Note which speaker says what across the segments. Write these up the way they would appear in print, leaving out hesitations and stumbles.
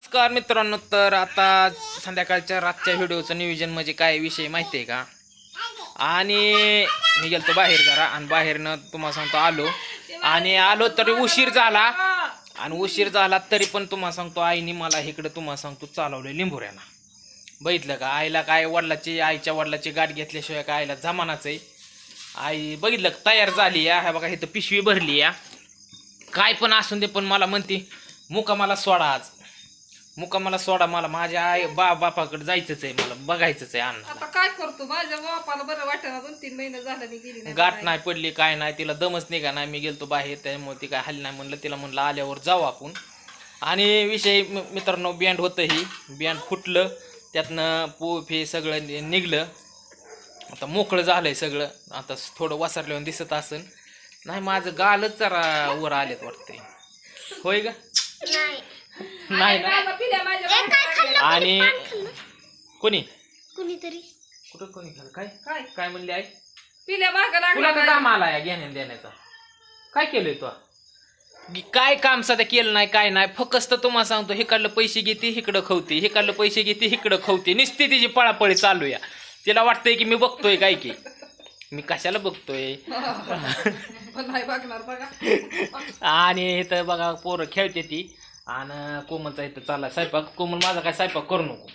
Speaker 1: नमस्कार मित्रांनो, तर आता संध्याकाळच्या रातच्या व्हिडिओचं नियोजन म्हणजे काय विषय माहिती आहे का? आणि मी गेलतो बाहेर जरा, आणि बाहेरनं तुम्हाला सांगतो आलो तरी उशीर झाला, आणि उशीर झाला तरी पण तुम्हाला सांगतो आईने मला इकडं तुम्हाला सांगतो चालवलं लिंबोऱ्याला. बघितलं का? आईला काय आईच्या वडिलाची गाठ घेतल्याशिवाय काय आईला जमानाच आहे. आई बघितलं तयार झाली या, ह्या बघा इथं पिशवी भरली या, काय पण असून दे, पण मला म्हणते मुकामाला सोडा, आज मुकामाला सोडा, मला माझ्या आई बापाकडे जायचंच आहे, मला बघायचंच आहे. अण्णा
Speaker 2: आता काय करतो, माझ्या बापाला बरं वाटेना, 2-3 महिने झालं मी गेली नाही.
Speaker 1: गाठ नाही पडली, काय नाही, तिला दमच निघा नाही. मी गेलतो बाहेर, त्यामुळे ती काय हल्ली नाही. म्हणलं तिला, म्हणलं आल्यावर जाऊ आपण. आणि विषय मित्रांनो, बँड होतं, ही बँड फुटलं, त्यातनं पोफ हे सगळं निघलं. आता मोकळं झालंय सगळं. आता थोडं वसरल्यावर दिसत असेल. नाही, माझं गालच जरा वर आलेत वाटतंय. होय ग? नाही ना. आणि
Speaker 2: कुणीतरी
Speaker 1: कुठं कोणी खाल काय काय काय म्हणले आई?
Speaker 2: पिल्या माग
Speaker 1: तुला
Speaker 2: लागला.
Speaker 1: काम आला या घेण्या देण्याचा? काय केलंय तू? काय काम सध्या केलं नाही, काय नाही. फक्त तुम्हाला सांगतो, हिकडलं पैसे घेते इकडं खवते, हिकडलं पैसे घेते इकडं खवते, नुसती तिची पळापळी चालू या. तिला वाटतंय की मी बघतोय काय, की मी कशाला बघतोय. आणि इथं बघा पोरं खेळते ती, आणि कोमलचा इथं चालला स्वयंपाक. कोमल, माझा काय स्वयंपाक करू नको,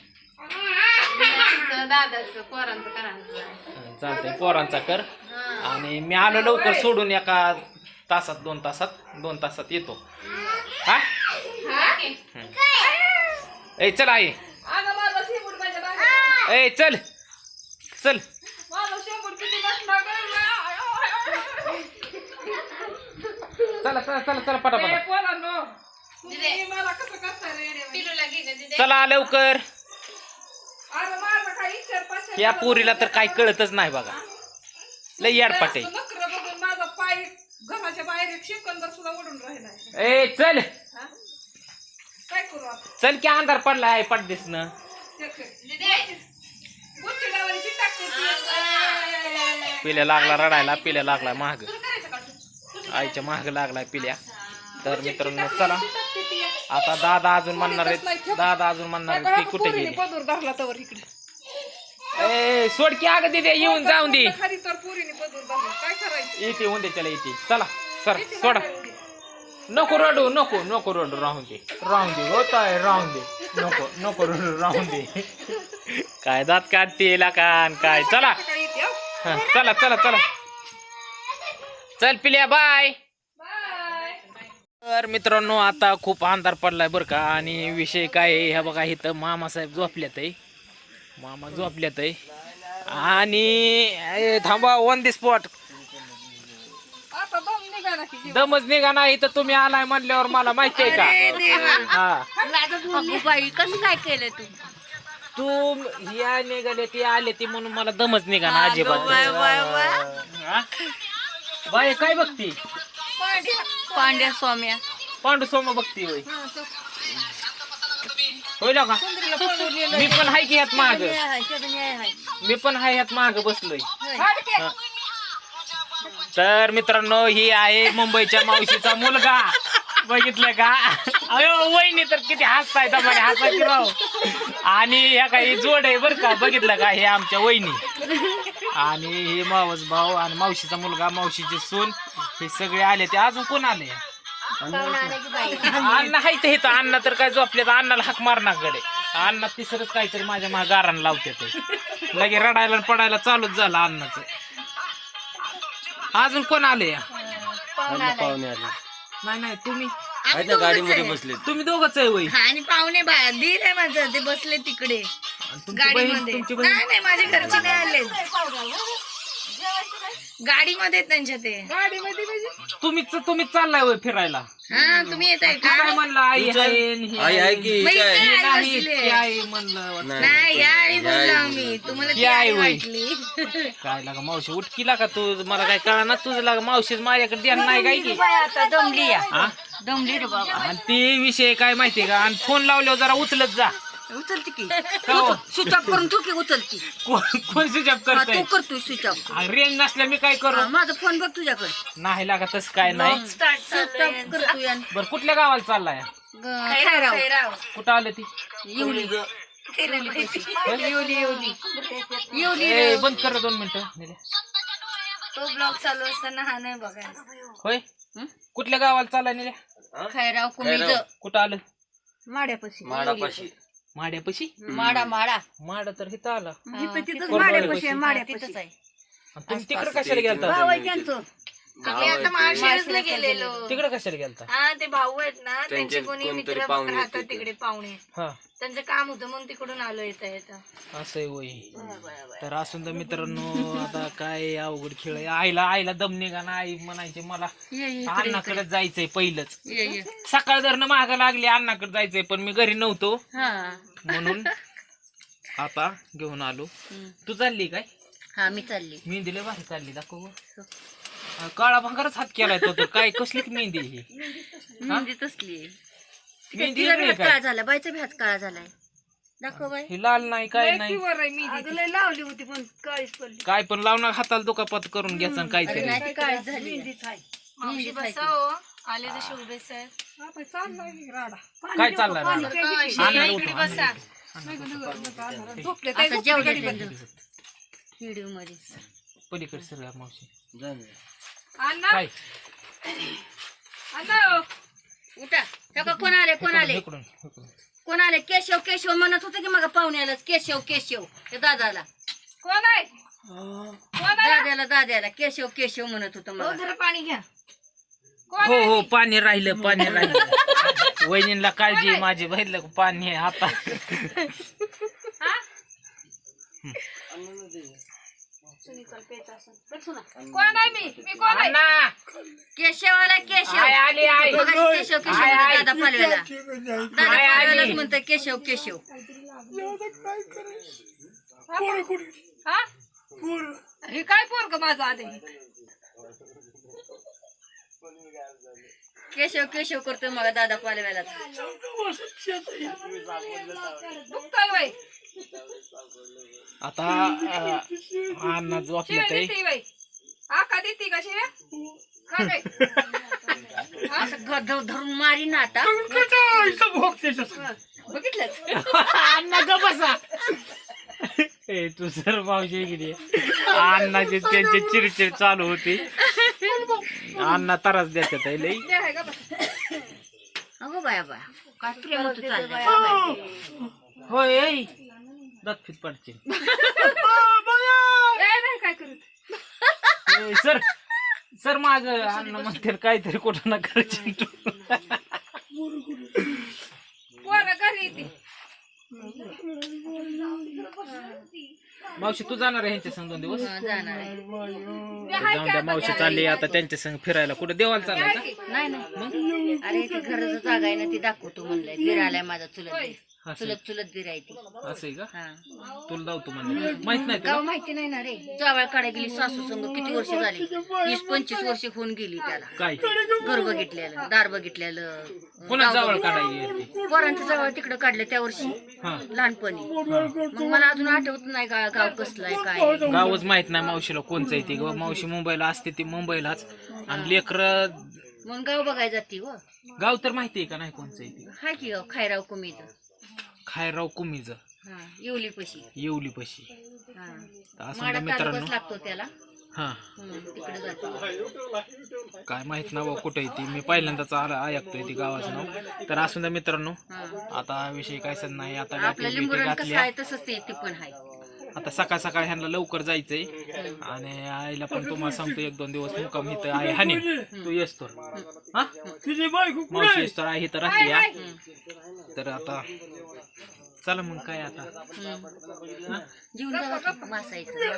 Speaker 1: चालतंय पोरांचा कर. आणि मी आलो लवकर सोडून, एका तासात 2 तासात येतो. हा ए चल आई, ए चल चल, चला चला चला चला पटापट चला लवकर. या पोरीला तर काय कळतच नाही बघा, लय याडपाट आहे.
Speaker 2: माझा पाय घराच्या बाहेर एक सेकंदर सुद्धा उडून राहिला.
Speaker 1: ए चल
Speaker 2: काय करू आता?
Speaker 1: चल की अंधार पडला आहे पडदेस न. पिल्या लागला रडायला, पिल्या लागला महाग, आईच्या महाग लागलाय पिल्या. तर मित्रांनो चला, आता दादा अजून म्हणणार आहेत, दादा अजून म्हणणार आहेत की कुठे गेली.
Speaker 2: पदूर धरला तवर इकडे.
Speaker 1: ए सोड की अगं दिदे, येऊन जाऊन दे.
Speaker 2: खरी तर पुरीने पदूर धरला, काय करायचं?
Speaker 1: येते होऊन दे, चला येते. चला सर सोडा, नको रडू, नको नको रडू, राहून दे होत आहे, राहून दे, नको नको रडू, राहून दे. काय दात काढते कान काय. चला चला चला चला, चल पिल्या, बाय. तर मित्रांनो, आता खूप अंधार पडलाय बरं का. आणि विषय काय आहे, ह्या बघा इथं मामासाहेब झोपल्यात आहे, मामा झोपल्यात आहे. आणि थांबा, ऑन दी स्पॉट, दमच निघा नाही तर तुम्ही आलाय म्हणल्यावर मला माहिती आहे का. हा
Speaker 3: कसं काय केलं
Speaker 1: तू या निघाले ते आले ते म्हणून मला दमच निघा ना अजिबात. बाय काय बघती?
Speaker 3: पांड्या स्वाम्या,
Speaker 1: पांडू सोमा बघती होय. होईल का? मी पण हाय की ह्यात माग, मी पण हाय ह्यात माग बसलोय. तर मित्रांनो, ही आहे मुंबईच्या मावशीचा मुलगा, बघितलं का? अयो वहिनी तर किती हसताय, दमाने हसायची राव. आणि ह्या काही जोड आहे बरं का, बघितलं का? हे आमच्या वहिनी, आणि हे मावस भाऊ, आणि मावशीचा मुलगा, मावशीची सून, हे सगळे आले. ते अजून कोण आले? अण्णा हाय ते इथं. अण्णा तर काय झोपले, तर अण्णाला हाक मारणाकडे. अण्णा तिसरंच काहीतरी माझ्या मागे गारान लावते, ते लगे रडायला पडायला चालूच झालं अण्णाचं. अजून कोण आले?
Speaker 3: पाहुणे आले.
Speaker 1: नाही नाही, तुम्ही
Speaker 3: गाडीमध्ये
Speaker 1: बसले, तुम्ही दोघंच आहे वय.
Speaker 3: आणि पाहुणे बाहेर दीर आहे माझं, ते बसले तिकडे गाडीमध्ये. नाही माझ्या घरचे नाही आले, गाडीमध्ये त्यांच्या. ते
Speaker 2: गाडीमध्ये
Speaker 1: तुम्हीच चाललाय वय फिरायला.
Speaker 3: हा, तुम्ही येत आहे का?
Speaker 1: काय म्हणलं आई आहे की
Speaker 3: नाही,
Speaker 1: म्हणलं
Speaker 3: यावेळी बोललो आम्ही तुम्हाला, ती आई वाटली.
Speaker 1: काय लागा मावशी उठकीला का तू? मला काय कळा ना तुझं लागा, मावशीच माझ्याकडे द्या नाही काय की.
Speaker 3: आता दमली या, दमली रे बाबा.
Speaker 1: आणि ते विषय काय माहितीये का? आणि फोन लावल्यावर जरा उचलत जा.
Speaker 3: उचलते की स्विच ऑफ करून तू की उचलती
Speaker 1: कोण स्विच ऑफ
Speaker 3: तू
Speaker 1: करतोय?
Speaker 3: करतोय स्विच ऑफ.
Speaker 1: रेंज नसल्या मी काय करू?
Speaker 3: माझा फोन बघ तुझ्याकडे
Speaker 1: नाही लागा तसं काय नाही.
Speaker 3: स्विच ऑफ करतोय.
Speaker 1: बरं कुठल्या गावाला चाललाय?
Speaker 3: खैराव.
Speaker 1: कुठं आलं ती
Speaker 3: येवली
Speaker 1: ए, बंद कर 2 मिनिटं निल्या.
Speaker 3: तो ब्लॉग चालू असताना हा नाही बघायचा.
Speaker 1: होय कुठल्या गावाला चालला निल्या
Speaker 3: खैराव कुमीज
Speaker 1: कुठं आलं
Speaker 3: माड्यापाशी
Speaker 1: माड्यापाशी
Speaker 3: माडा
Speaker 1: माड तर इथं आला
Speaker 3: तिथंच
Speaker 1: माड्यापाशी आहे,
Speaker 3: माड्यापाशी आहे.
Speaker 1: आणि तुम्ही तिकडे कशाला गेलता
Speaker 3: आम्ही आता माळशिरसला गेलेलो.
Speaker 1: तिकडे कशाला गेलता
Speaker 3: हा ते भाऊ आहेत ना त्यांचे कोणी मित्र राहतात तिकडे पाहुणे.
Speaker 1: हा
Speaker 3: त्यांचं काम होतं म्हणून तिकडून आलो येता
Speaker 1: असं आहे होय. तर असून तर मित्रांनो आता काय अवघड खेळ आहे. आईला दम निघा ना. आई म्हणायचे मला अण्णाकडे जायचंय पहिलंच. सकाळ धरणं मागं लागली अण्णाकडे जायचंय पण मी घरी नव्हतो म्हणून आता घेऊन आलो. तू चालली काय
Speaker 3: हा मी चालली.
Speaker 1: मेहंदी लय भारी चालली दाखव. काळा भांगारच हात केलाय तो तर. काय कसली मेहंदी ही
Speaker 3: मेहंदी तसली
Speaker 1: मेहंदी
Speaker 3: तिचा
Speaker 1: वेगळी
Speaker 3: हात
Speaker 1: काय
Speaker 3: काळा झाला बायचा बी हात काळा झालाय. दाखव बाई.
Speaker 1: ही लाल नाही काय नाही
Speaker 3: लय लावली होती पण काळीच पडली.
Speaker 1: काय पण लावणार हाताला दुखापत करून घ्यायचं आणि काहीतरी.
Speaker 3: नाही ती काळीच झाली. मेहंदी बसाव आले जसे उभे सर.
Speaker 1: काय चालणार
Speaker 3: आता जेवढे व्हिडिओ मध्ये
Speaker 1: पलीकडे सर मावशी
Speaker 2: अण्णा
Speaker 3: उठा. कोण आले
Speaker 1: इकडून.
Speaker 3: कोण आले? केशव म्हणत होते की मग पाहुण्यालाच केशव त्या दादाला.
Speaker 2: कोण आहे
Speaker 3: दाद्याला केशव म्हणत होतं मला. पाणी घ्या.
Speaker 1: हो पाणी राहिलं वहिनीला काळजी आहे माझी. बघितलं पाणी आहे आता.
Speaker 2: कोण आहे मी कोण आहे?
Speaker 3: केशवाला
Speaker 1: आली आई.
Speaker 3: केशव दादा पालव्यालाच म्हणतं केशव.
Speaker 2: हा हे काय पोरग माझं आले?
Speaker 3: केशव करतोय मग दादा पालव्याला.
Speaker 2: दुखतोय बाई.
Speaker 1: आता अण्णा झोपलं ते.
Speaker 2: आका देते का शिव्या? का काय?
Speaker 3: धरून मारी ना आता. बघितलंच
Speaker 1: अण्णा ग बसा. ए तू सर मावशी गेली. अण्णाचे त्यांची चिडचिड चालू होती. अण्णा त्रास देतात लई.
Speaker 3: अगो बाया काय प्रेम होतं चाललंय.
Speaker 1: होय दातफीत पडचे.
Speaker 2: काय करत
Speaker 1: सर माग अण्णा म्हणते काहीतरी कुठं ना करायची.
Speaker 2: पोरं घरी येते.
Speaker 1: मावशी तू जाणार आहे ह्यांच्या संग 2 दिवस.
Speaker 3: जाणार आहे.
Speaker 1: जाऊन द्या मावशी चालली आता त्यांच्या संग फिरायला. कुठं देवाला चाललाय का?
Speaker 3: नाही अरे ती घराचं जागा आहे ना ती दाखवतो म्हणलंय. गिरायलाय माझा चुलत गिराय ती.
Speaker 1: असं आहे का? तुला जाऊ तू म्हणले माहित नाही तुला?
Speaker 3: गाव माहिती नाही ना रे. जावळ काढा गेली सासू संग किती वर्ष झाली. 20-25 वर्ष होऊन गेली त्याला.
Speaker 1: काय
Speaker 3: घर बघितलेलं दार बघितलेलं.
Speaker 1: कोणा जावळ काढायची?
Speaker 3: पोरांचं जावळ तिकडं काढलं त्या वर्षी लहानपणी. मग मला अजून आठवत नाही गाव कसलं आहे काय.
Speaker 1: गावच माहित नाही मावशीला कोणचं आहे ते. मावशी मुंबईला असते ती मुंबईलाच. आणि लेकर
Speaker 3: मग गाव बघायला जाते व.
Speaker 1: गाव तर माहिती आहे का नाही कोणचं आहे ते?
Speaker 3: हाय की गाव खैराव कुमीचं.
Speaker 1: खायराव कुमीज
Speaker 3: येवली पशी.
Speaker 1: असं मित्रांनो
Speaker 3: लागतो त्याला.
Speaker 1: हा
Speaker 3: तिकडे जातो.
Speaker 1: काय माहित ना कुठे आहे ती. मी पहिल्यांदाच ऐकतोय ती गावाचं नाव. तर असून मित्रांनो आता विषय काय नाही. आता
Speaker 3: आपल्या लिंबूरान कसं आहे तसंच ते पण आहे.
Speaker 1: आता सकाळ ह्यांना लवकर जायचंय. आणि आईला पण तुम्हाला सांगतो 1-2 दिवस मुक्काम इथं आहे. हानी तू येस तर मावशी येस तर आहे तर राहते या. तर आता चला मग काय आता
Speaker 3: जीवन मासा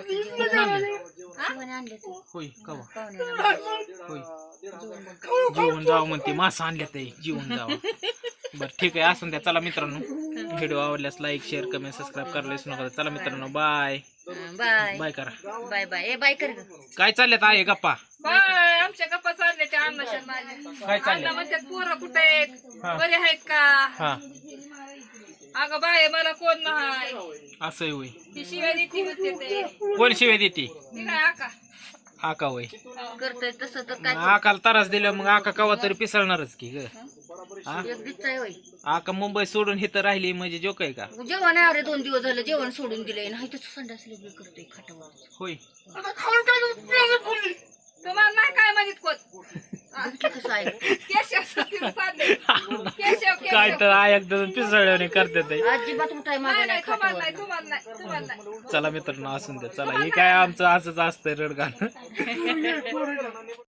Speaker 1: होय कवा होय जीवन जावं म्हणते. मासा आणल्या ते जीवन जावं. बरं ठीक आहे असून द्या. चला मित्रांनो व्हिडिओ आवडल्यास लाईक शेअर कमेंट सबस्क्राईब करायला विसरू नका. चला मित्रांनो बाय बाय करा.
Speaker 3: बाय बाय कर.
Speaker 1: काय चालल्यात आहे गप्पा?
Speaker 2: बाय आमच्या गप्पा चालले त्या अण्णाच्या माझ्या.
Speaker 1: काय चाललंय?
Speaker 2: अण्णा म्हणतात पोरं कुठे आहेत? बरे आहेत का?
Speaker 1: हा
Speaker 2: अगं बाय मला कोण नाही.
Speaker 1: असं होय.
Speaker 2: ती शिवाय देते म्हणते ते.
Speaker 1: कोण शिवाय देते?
Speaker 2: ती काय आका
Speaker 1: आका होय.
Speaker 3: करतोय तसं तर काय.
Speaker 1: आकाला त्रास दिला मग आका कवा तरी पिसळणारच की ग. हा
Speaker 3: एक दिवस आहे होय
Speaker 1: आका मुंबई सोडून इथं राहिली म्हणजे जोक आहे का?
Speaker 3: जेवण आहे अरे 2 दिवस झालं जेवण सोडून दिलंय नाही तर संडास लग्न करतोय खाटावर
Speaker 1: होय.
Speaker 2: तुम्हाला नाही काय माहित कोण
Speaker 3: कसं आहे
Speaker 2: केशव चालले केशव
Speaker 1: काय तर ऐकतं पिसळल्याने करतात ते.
Speaker 3: अजिबात उठाय मागे नाही
Speaker 2: तुम्हाला
Speaker 3: खाटावर
Speaker 2: नाही तुम्हाला नाही तुम्हाला नाही
Speaker 1: चला मित्रांनो असून द्या. चला हे काय आमचं असंच असतंय रडगाणं.